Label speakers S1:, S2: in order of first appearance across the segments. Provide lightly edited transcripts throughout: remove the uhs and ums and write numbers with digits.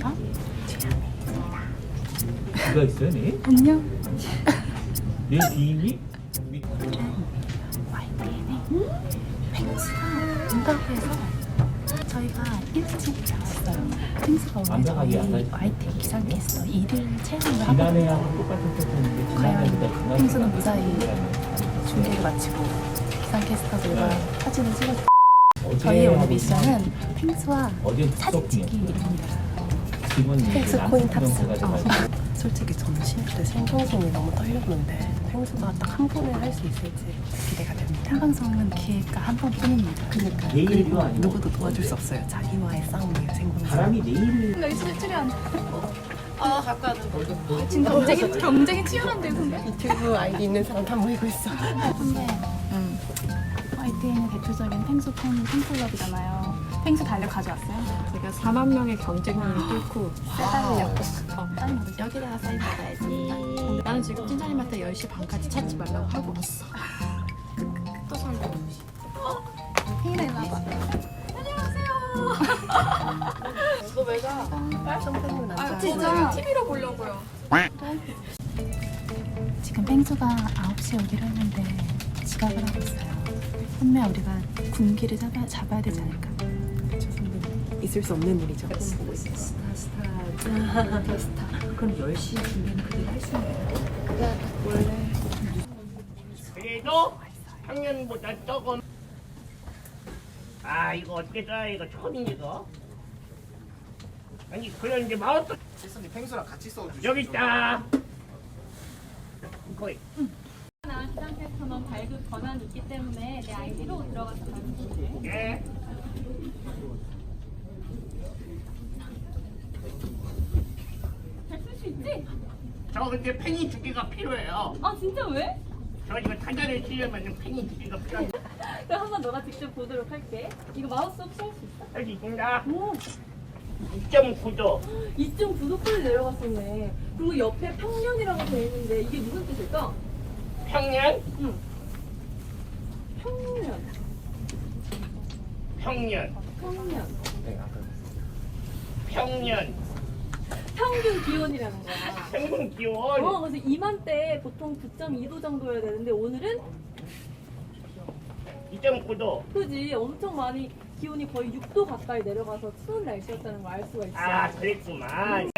S1: 어디가?
S2: 누가 있어요, 네?
S1: 안녕.
S2: 내 지인이?
S1: YTN에 펭수가 온다고 해서 저희가 일찍 나왔어요. 펭수가 오늘 저희 YTN 기상캐스터 1일 체험을 하거든요.
S2: 지난해하고 똑같은 패턴인데
S1: 과연 펭수는 무사히 중계를 마치고 기상캐스터들과 사진을 찍었어요. 저희 오늘 미션은 펭수와 사진 찍기입니다.
S3: 펭수 코인 탑승. 솔직히 저는 쉴때 생방송이 너무 떨렸는데 펭수가 딱 한 번에 할 수 있을지 기대가 됩니다.
S1: 생방송은 기회가 한 번뿐입니다.
S3: 그러니까
S2: 내일도
S3: 그리고
S2: 아니고.
S3: 누구도 도와줄 수 없어요. 자기와의 싸움이에요, 생방송.
S2: 바람이 내일
S1: 나 이제 출연. 아 갖고 와도 지금 경쟁이 치열한데 선배.
S3: 유튜브 아이디 있는 사람 다 모이고 있어.
S1: 선배. YTN의 대표적인 펭수 팬클럽이잖아요. 펭수 달력 가져왔어요.
S3: 제가 4만 명의 경쟁률을 뚫고
S1: 써달려고. 사인 받으시 여기다가 사인 받아야지.
S3: 나는 지금 찐자님한테 10시 반까지 찾지 말라고 하고 왔어.
S1: 또 설레. 팽이나 일로 와봐.
S4: 너 왜 가?
S3: 선배님은 안
S4: 아
S3: 좋아하시나요?
S4: 진짜 TV로 보려고요.
S1: 지금 펭수가 9시에 오기로 했는데 지각을 하고 있어요. 선배 우리가 군기를 잡아야 되지 않을까?
S3: 저 선배님 있을 수 없는 일이죠.
S1: 그럼 10시 준비는 그대로 할 수 있나요?
S5: 그래도 작년보다 조금 이거 어떻게 써 이거 처음이니 이거 아니 그래 이제 마우스
S6: 실선이 펭수랑 같이 써주시죠.
S5: 여기 있다 거기
S7: 나 기상캐스터만 발급 권한이 있기 때문에 내 아이디로 들어가서 발급해.
S5: 예
S7: 잘 쓸 수 있지?
S5: 저 근데 팽이 두 개가 필요해요
S7: 아 진짜 왜?
S5: 저 이거 타자를 치려면 팽이 두 개가 필요한데
S7: 그럼 한번 너가 직접 보도록 할게. 이거 마우스 혹시 할 수 있어?
S5: 여기 있습니다
S7: 오,
S5: 2.9도
S7: 2.9도까지 내려갔었네. 그리고 옆에 평년이라고 되어 있는데 이게 무슨 뜻일까?
S5: 평년
S7: 응. 평년.
S5: 평년
S7: 평년.
S5: 평년
S7: 평균 기온이라는 거야.
S5: 평균 기온
S7: 그래서 이맘때 보통 9.2도 정도여야 되는데 오늘은
S5: 2.9도
S7: 그지 엄청 많이 기온이 거의 6도 가까이 내려가서 추운 날씨였다는 걸 알 수가 있어.
S5: 그랬구만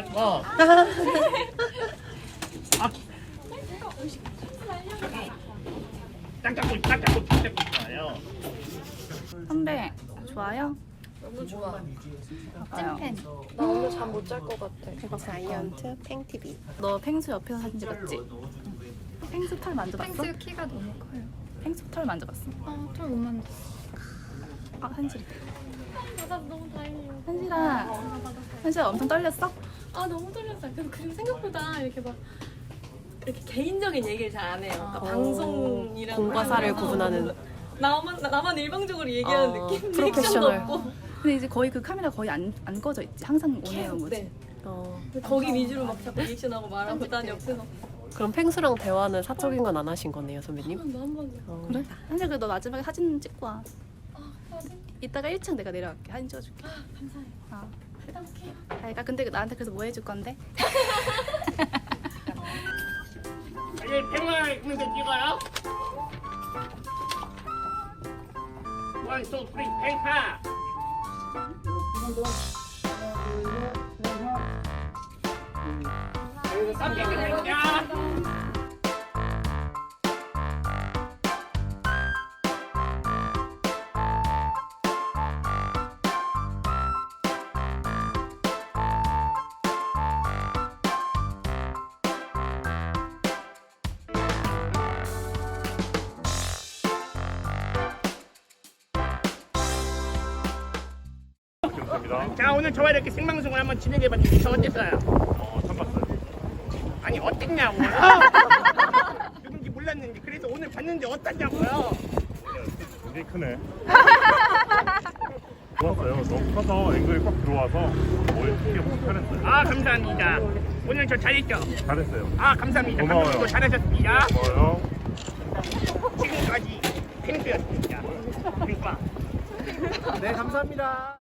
S5: 딱 잡고 있어요
S1: 선배 좋아요?
S4: 너무 좋아.
S1: 찐팬.
S4: 나 오늘 잠 못 잘 것 같아.
S3: 자이언트 팽TV.
S1: 너 펭수 옆에서 사진 찍었지? 펭수 털 만져봤어?
S4: 펭수 키가 너무 커요.
S1: 펭수 털 만져봤어?
S4: 털 못 만졌어.
S1: 아 한실.
S4: 받아서 너무 다행이에요.
S1: 한실아 엄청 떨렸어?
S7: 아 너무 떨렸어요. 그리고 생각보다 이렇게 막 이렇게 개인적인 얘기를 잘 안 해요. 그러니까 방송이랑
S3: 공과 사를 구분하는
S7: 나만 일방적으로 얘기하는 느낌.
S3: 프로페셔널.
S7: 리액션도 없고.
S1: 근데 이제 거의 그 카메라 거의 안 꺼져 있지. 항상 온에어인 거지.
S7: 네.
S3: 어,
S7: 거기 위주로 막 자꾸 리액션하고 말하고 난 옆에서
S3: 그럼 펭수랑 대화는 사적인 건 안 하신 거네요, 선배님?
S7: 한 번.
S1: 그래? 한실 그너 마지막에 사진 찍고 와.
S7: 사진?
S1: 이따가 1층 내가 내려갈게. 사진 찍어줄게.
S7: 감사해요. 부탁해요.
S1: 그러니까 근데 나한테 그래서 뭐 해줄 건데?
S5: 여기 팽을 있는데 찍어요 1, 2, 3, 팽파 깜짝 놀랐냐 자 오늘 저와 이렇게 생방송을 한번 진행해봤는데 저 어땠어요?
S8: 처음 봤어요.
S5: 아니 어땠냐고요? 누군지 몰랐는데 그래서 오늘 봤는데 어땠냐고요?
S8: 굉장히 크네. 좋았어요. 너무 커서 앵글이 꽉 들어와서 머리 크게 보기 편했어요.
S5: 감사합니다 오늘 저 잘했죠?
S8: 잘했어요.
S5: 감사합니다
S8: 고마워요.
S5: 감독님도 잘하셨습니다
S8: 고마워요.
S5: 지금까지 펭수였습니다 펭수
S6: 네, 감사합니다.